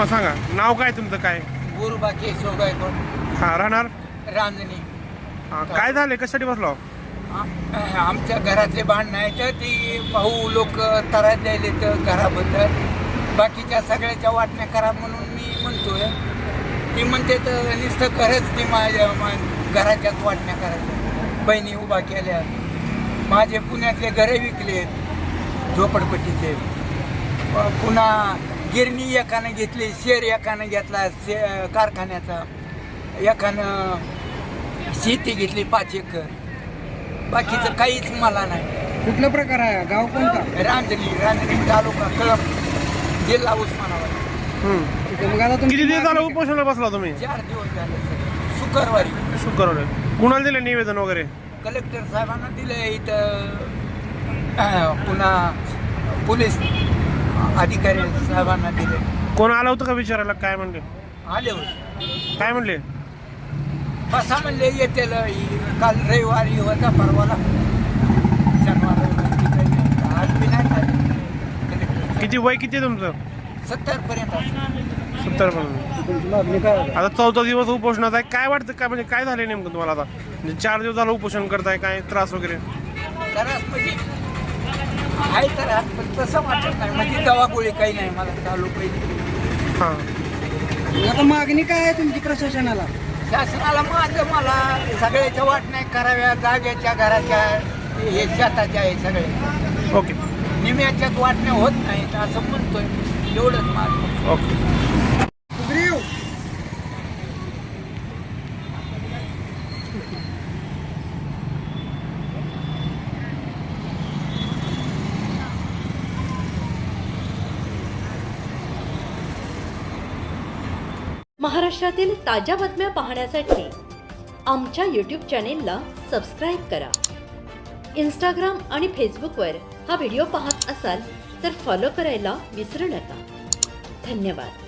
सांगा नाव काय तुमचं काय? गुरुबा केशव गायकवाड हा राहणार रांजणी. काय झाले कशासाठी बसलो? आमच्या घरातले भांडणं आहेत तर ती भाऊ लोक त्रास द्यायले तर घराबद्दल बाकीच्या सगळ्याच्या वाटण्या करा म्हणून मी म्हणतोय. ती म्हणते तर नुसतं घरच ती माझ्या घराच्याच वाटण्या करायच्या. बहिणी उभा केल्या, माझे पुण्यातले घरे विकलेत झोपडपट्टीचे. पुन्हा गिरणी एकानं घेतली, शेर एकानं घेतला कारखान्याचा, एकानं शेती घेतली 5 एकर. बाकीचं काहीच मला नाही. कुठला प्रकार आहे? गाव कोणता? रांजणी तालुका कळंब, जिल्हा उस्मानाबाद. मग आता तुम्ही किती दिवस झालं उपोषणाला बसला तुम्ही? 4 दिवस झाले. शुक्रवारी शुक्रवार कुणाला दिले निवेदन वगैरे? कलेक्टर साहेबांना दिले इथं, पुन्हा पोलीस अधिकारी साहेबांना दिले. कोण आलं होतं का विचारायला? काय म्हणले? आले होते. काय म्हणले? बसा म्हणले येतील. काल रविवारी होता, परवाला शनिवार आज बी नाही झाले. किती वय किती आहे तुमचं? 70 पर्यंत असतं. 70 पर्यंत. आता 4था दिवस उपोषणात आहे. काय वाटतं काय म्हणजे काय झालं नेमकं तुम्हाला आता? म्हणजे 4 दिवस झालं उपोषण करताय, काय त्रास वगैरे? त्रास म्हणजे आहे त्रास, पण तसं वाटत नाही. म्हणजे दवा गोळी काही नाही मला चालू पाहिजे. हां आता मागणी काय आहे तुमची प्रशासनाला? शासनाला मला सगळ्याच्या वाटण्या कराव्या, जागेच्या, घराच्या, हे शेताच्या आहे सगळे. ओके निम्याच्याच वाटण्या होत नाहीत असं म्हणतोय. एवढंच माझं. ओके. महाराष्ट्रातील ताज्या बातम्या पाहण्यासाठी आमच्या यूट्यूब चॅनेलला सबस्क्राईब करा. इंस्टाग्राम आणि फेसबुकवर हा व्हिडिओ पाहत असाल तर फॉलो करायला विसरू नका. धन्यवाद.